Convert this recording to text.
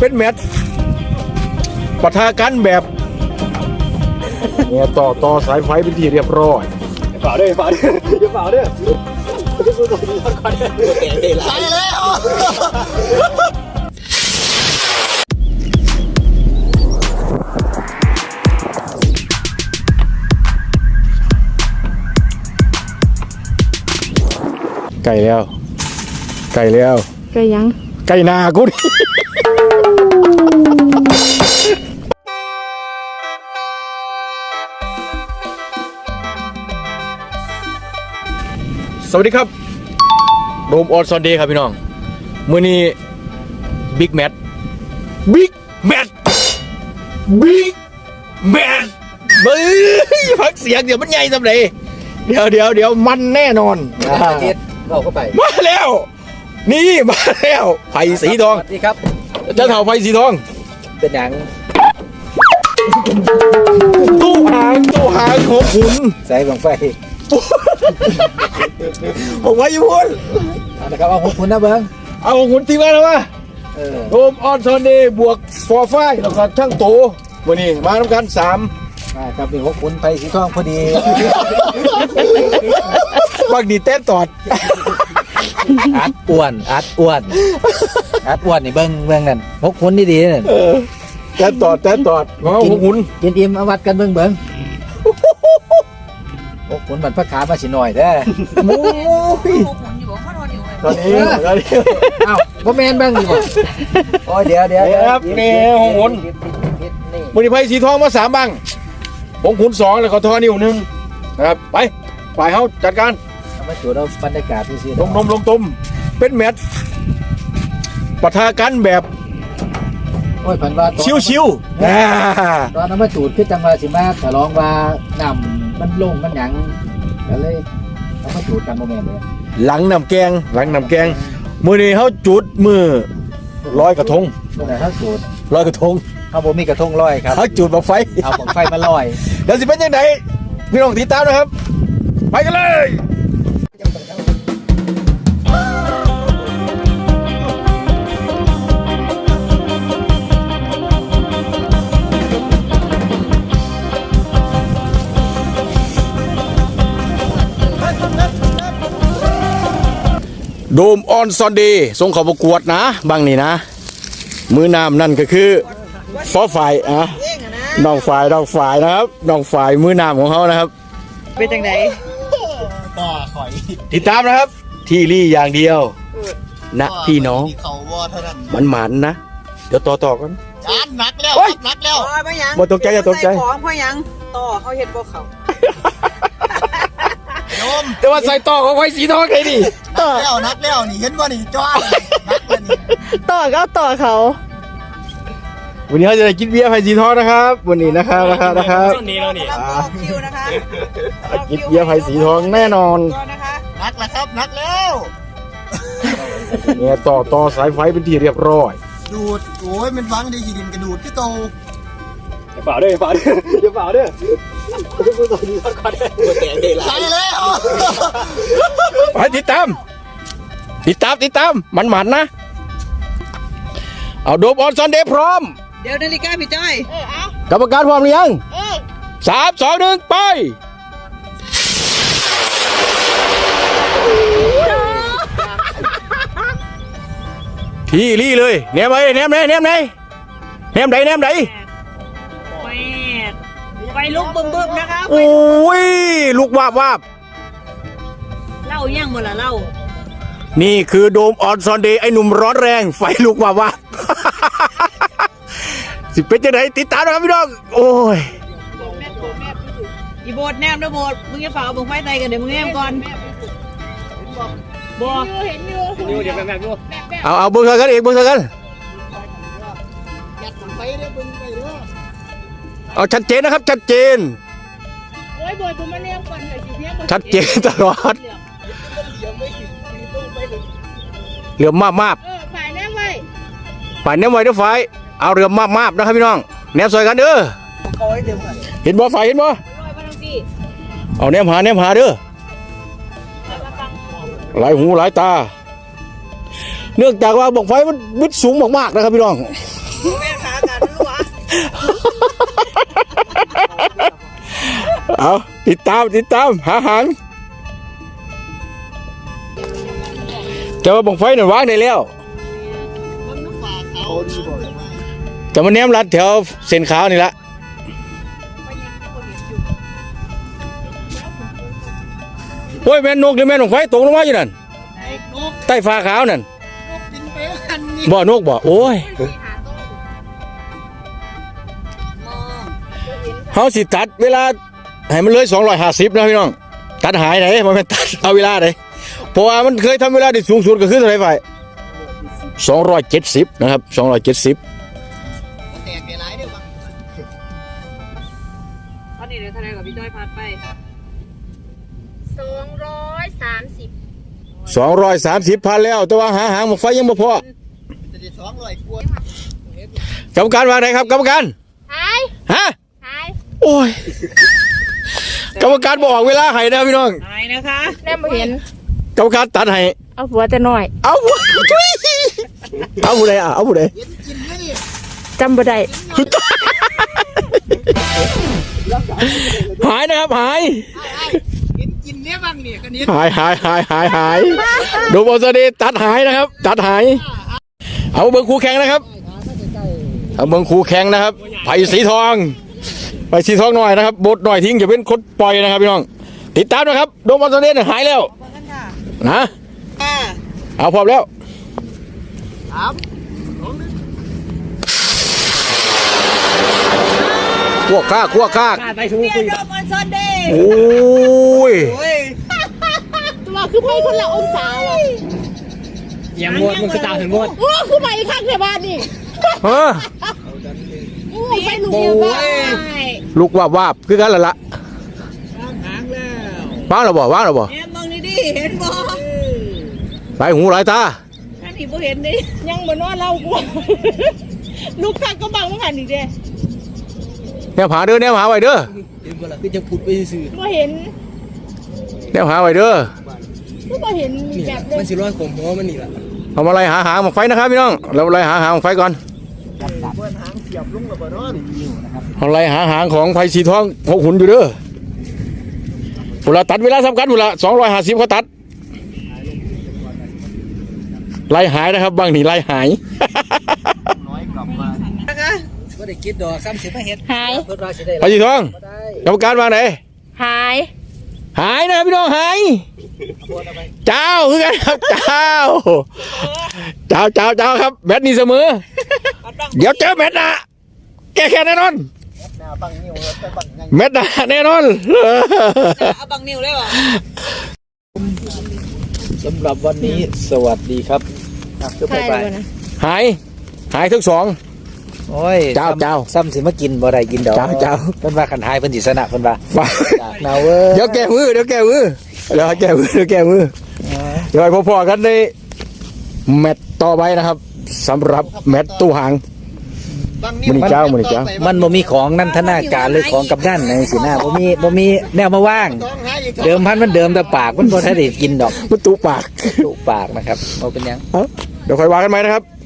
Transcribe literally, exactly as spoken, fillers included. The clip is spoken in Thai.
เป็นแมตช์ปะทะกันแบบเนี่ยต่อต่อสายไฟเป็นที่เรียบร้อยฝ่าด้วยฝ่าด้วยอย่าฝ่าด้วยตายแล้วไก่แล้วไก่แล้วไก่ยังไก่นากูดิสวัสดีครับโดมออนซอนเดย์ครับพี่น้องมื้อนี้บิ๊กแมทบิ๊กแมทบิ๊กแมทเบ้ยพักเสียงเดี๋ยวมันใหญ่สำเร็จเดี๋ยวเดี๋ยวเดี๋ยวมันแน่นอนเราเข้าไปมาแล้วนี่มาแล้วไผ่สีทองสวัสดีครับเจ้าเถ่าไผ่สีทองเป็นอย่างตู้หางตู้หางของขุนใส่บังไฟผมไว้อยู่พุ่นนะครับเอาของคุณนะเบิ้งเอาของขุนตีมาแล้ววะโดมออนซอนเดย์บวกฟอร์ไฟแล้วก็ช่างโตวันนี้มาทำการสามครับเป็นของคุณไผ่สีทองพอดีบางดีเต้นตอดอัดอ้วนอัดอ้วนอัดอ้วนนี่เบิ้งเบิ้งนั่นพกคุณดีๆนั่นเต้นตอดเต้นตอดของของขุนกินอิ่มเอาวัดกันเบิ้งเบิ้งพกคุณมันพักขามาสิหน่อยเด้อโอ้ยตอนนี้ตอนนี้เอ้าบ่แม่นบ้างดีกว่าโอ้ยเดี๋ยวเดี๋ยวครับนี่ของขุนมือนี้ไผ่สีทองมาสามบังของขุนสองแล้วก็ทอนิ้วหนึ่งนะครับไปฝ่ายเขาจัดการมาจูดเอาบรรยากาศที่สิลงนมลงตุ่มเป็นแมตช์ปะทะกันแบบโอ้ยพันว่าชิวชิวตอนนั้นมาจูดคือจังหวะสิมาฉลองว่านำมันลงมันหยังก็เลยเอามาจูดกันโมเมนต์เลยหลังนำแกงหลังนำแกงมือนี้เขาจุดมือร้อยกระทงมือไหนเขาจูดร้อยกระทงเขาบอกมีกระทงลอยครับเขาจุดบังไฟเอาบังไฟมาลอยเดี๋ยวสิเป็นยังไงพี่น้องติดตามนะครับไปกันเลยโดมออนซอนเดย์ส่งเขาประกวดนะบางนี่นะมือนามนั่นก็คือฟอฝ่ายอ่ะน้องฝ่ายน้องฝ่ายนะครับน้องฝ่ายมือนามของเขานะครับเป็นจังไดต่อข่อยติดตามนะครับที่รี่อย่างเดียวนะพี่น้องมันหมันนะเดี๋ยวต่อต่อกันจานหนักแล้วหนักแล้วบ่ตกใจอย่าตกใจของเพราะยังต่อเขาเห็นบ่เขาแต่ว่าใส่ต่อของไฟสีทองไงดิต่อแล้วนักแล้วนี่เห็นว่านี่จ้านักเลยนี่ต่อก็ต่อเขาวันนี้เราจะได้กินเบียร์ไฟสีทองนะครับวันนี้นะครับนะครับนะครับวันนี้เรานี่คิวนะคะกินเบียร์ไฟสีทองแน่นอนนักแล้วครับนักแล้วเนี่ยต่อต่อสายไฟเป็นที่เรียบร้อยดูดโอ้ยมันฟังได้ยินกระดูดที่โตอย่าฝ่าด้วยฝ่าด้วยอย่าฝ่าด้วยตายแล้วไปติดตามติดตามติดตามมันหมันนะเอาโดมออนซอนเดย์พร้อมเดี๋ยวนาฬิกาพี่จ้อยกรรมการพร้อมหรือยังสามสองหนึ่งไปที่รี่เลยแนมไปแนมไหนแนมไหนแนมไหนแนมไหนไปลุกบึ้มบึ้มนะคะโอ้ยลุกวาบวาบเล่าย่างหมดละเล่านี่คือโดมออนซอนเดย์ไอ้หนุ่มร้อนแรงไฟลุกวาบวาบสิเป็นจะไหนติดตามนะครับพี่น้องโอ้ยอีโบดแนมด้วยโบดมึงจะฝากเอาบุ้งไฟไตกันเดี๋ยวมึงแนมก่อนบอเห็นอยู่เดี๋ยวเดี๋ยวแบบดูเอาเอาเบิ้งเธอกันอีกเบิ้งเธอกันเอาชัดเจนนะครับชัดเจนชัดเจนตลอดเหลือมากมากฝ่ายแนมไว้ฝ่ายแนมไว้ด้วยฝ่ายเอาเหลือมากมากนะครับพี่น้องแนมสวยกันเด้อเห็นบ่ฝ่ายเห็นบ่เอาแนมหาแนมหาเด้อหลายหูหลายตาเนื่องจากว่าบอกไฟมันวิดสูงมากๆนะครับพี่น้องแม่ขากันรู้วะเอาติดตามติดตามหาหางแต่ว่าบังไฟนั่นวางได้แล้วแต่มันแนมรัดแถวเส้นขาวนี่ละโอ้ยแม่นนกหรือแม่นบังไฟตกลงมาอยู่นั่นใต้ฟ้าขาวนั่นบ่นกบ่โอ้ยเฮาสิตัดเวลาให้มันเลยสองร้อยห้าสิบนะพี่น้องตัดหายไหนมันเป็นตัดเอาเวลาไหนเพราะว่ามันเคยทำเวลาได้สูงสุดก็คือเท่าไหร่ไฟสองร้อยเจ็ดสิบนะครับสองร้อยเจ็ดสิบแตกหลายเด้อมั้งตอนนี้เดี๋ยวทนายกับพี่จ้อยพาไปสองร้อยสามสิบสองร้อยสามสิบพันแล้วแต่ว่าหาหางหมกไฟยังไม่พอจะได้สองร้อยกว่ากรรมการว่าไงครับกรรมการหายฮะหายโอ้ยกรรมการบอกเวลาให้นะพี่น้องหายนะคะแน่บ่เห็นกรรมการตัดให้เอาหัวแต่น้อยเอาทุยเอาผู้ใดอ่ะเอาผู้ใดจำบ่ได้หายนะครับหายกินเนี้ยบ้างเนี่ยกันนี้หายหายหายหายหายดูบอลสเดตัดหายนะครับ ตัดหาย เอาเบิ้งคู่แข่งนะครับเอาเบิ้งคู่แข่งนะครับไผ่สีทองไผ่สีทองหน่อยนะครับบดหน่อยทิ้งอย่าเป็นคนปล่อยนะครับพี่น้องติดตามนะครับดูบอลสเดหายแล้วนะค่ะเอาพร้อมแล้วครับขั้วข้าขั้วข้าเมียดอมอนซอนเดย์โอ้ยโอ้ยตัวคือไปคนละองศาว่ะยังมดมันคือตาถึงมดโอ้คือไปข้างในบ้านนี่เออโอ้ไปลูกเดียวบ้านลูกวาบวาบคือกันละละหางแล้วว่างเราบ่ว่างเราบ่แอมมองนี่ดิเห็นบ่หลายหูหลายตาอันนี้บ่เห็นดิยังบ่นอนเล่ากูลูกข้างก็บังมันหันอีกเด้แนวหาเด้อแนวหาไว้เด้อเห็นบ่ล่ะคือจะพุดไปซื่อบ่เห็นแนวหาไว้เด้อก็บ่เห็นนี่แบบเลมันยสิร้อยขมหัวมันนี่ล่ะเอามาไล่หาหางหมกไฟนะครับพี่น้องเราไล่หาหางหมกไฟก่อนเปิ้นหางเสียบลงระเบิดร้อนนี่นะครับเอาไล่หาหางของไฟสีทองหกหุ่นอยู่เด้อเวลาตัดเวลาสำคัญเวลาสองร้อยห้าสิบเขาตัดไล่หายนะครับบางนี่ไล่หายน้อยกลับมานะคะบ่ได้คิดดอกซ้ำสิมาเฮ็ดหายเพิ่นว่าสิได้ไฟสีทองบ่ได้กรรมการวางไหนหายหายนะครับพี่น้องหายเจ้าคือกันครับเจ้าเจ้าเจ้าเจ้าครับแมตช์นี้เสมอเดี๋ยวเจอแมตช์หนะแก้แค้นแน่นอนหน้าบังนิ้วไปบังยังแมตช์หนะแน่นอนเอาบังนิ้วเลยวะสำหรับวันนี้สวัสดีครับอ่ะคือไปหายไปเลยนะหายหายทั้งสองโอ้ยเจ้าเจ้าซ้ำสิมากินบ่ได้กินดอกเจ้าเจ้าเพิ่นว่าคันหายเพิ่นสิชนะเพิ่นว่ามาจากนาวเว้ยเดี๋ยวแก้มือเดี๋ยวแก้มือเดี๋ยวแก้มือเดี๋ยวแก้มือเดี๋ยวให้พอๆกันในแมตช์ต่อไปนะครับสำหรับแมตช์ตู้หางมันนี่เจ้ามันนี่เจ้ามันบ่มีของนันทนาการหรือของกับด้านในสิหน้าบ่มีบ่มีแนวมาว่าง เดิมพันมันเดิมแต่ปากมันบ่ทันได้กินดอกมันตุปากตุปากนะครับบ่เป็นหยังเอ้าเดี๋ยวค่อยว่ากันไหมนะครับ